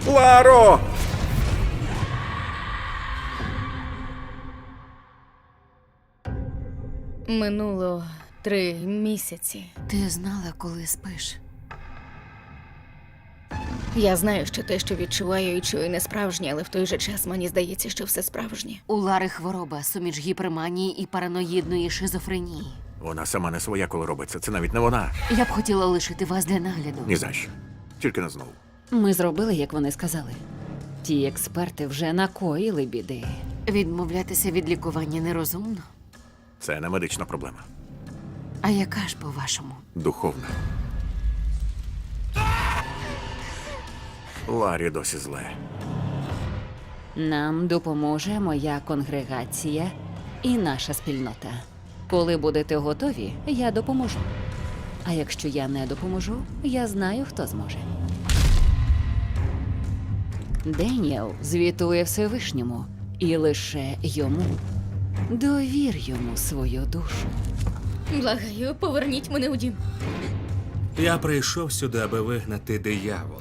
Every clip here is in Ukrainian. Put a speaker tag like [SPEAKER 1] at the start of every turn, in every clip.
[SPEAKER 1] Ларо!
[SPEAKER 2] Минуло 3 місяці.
[SPEAKER 3] Ти знала, коли спиш?
[SPEAKER 2] Я знаю, що те, що відчуваю і чую, не справжнє, але в той же час мені здається, що все справжнє.
[SPEAKER 3] У Лари хвороба, суміч гіперманії і параноїдної шизофренії.
[SPEAKER 1] Вона сама не своя, коли робиться. Це навіть не вона.
[SPEAKER 3] Я б хотіла лишити вас для нагляду.
[SPEAKER 1] Ні за що. Тільки не знову.
[SPEAKER 4] Ми зробили, як вони сказали. Ті експерти вже накоїли біди.
[SPEAKER 3] Відмовлятися від лікування нерозумно.
[SPEAKER 1] Це не медична проблема.
[SPEAKER 3] А яка ж, по-вашому?
[SPEAKER 1] Духовна. Ларі досі зле.
[SPEAKER 4] Нам допоможе моя конгрегація і наша спільнота. Коли будете готові, я допоможу. А якщо я не допоможу, я знаю, хто зможе. Деніел звітує Всевишньому, і лише йому. Довір йому свою душу.
[SPEAKER 2] Благаю, поверніть мене у дім.
[SPEAKER 5] Я прийшов сюди, аби вигнати диявола.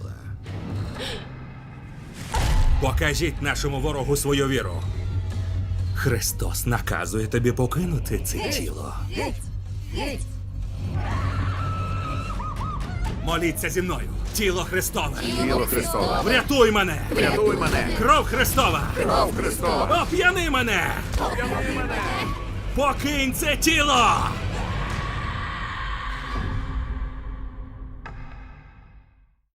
[SPEAKER 5] Покажіть нашому ворогу свою віру. Христос наказує тобі покинути це тіло. Моліться зі мною. Тіло Христове.
[SPEAKER 1] Тіло Христове.
[SPEAKER 5] Врятуй мене.
[SPEAKER 1] Врятуй мене.
[SPEAKER 5] Кров Христова.
[SPEAKER 1] Кров Христова.
[SPEAKER 5] Оп'яни мене.
[SPEAKER 1] Оп'яни мене.
[SPEAKER 5] Покинь це тіло.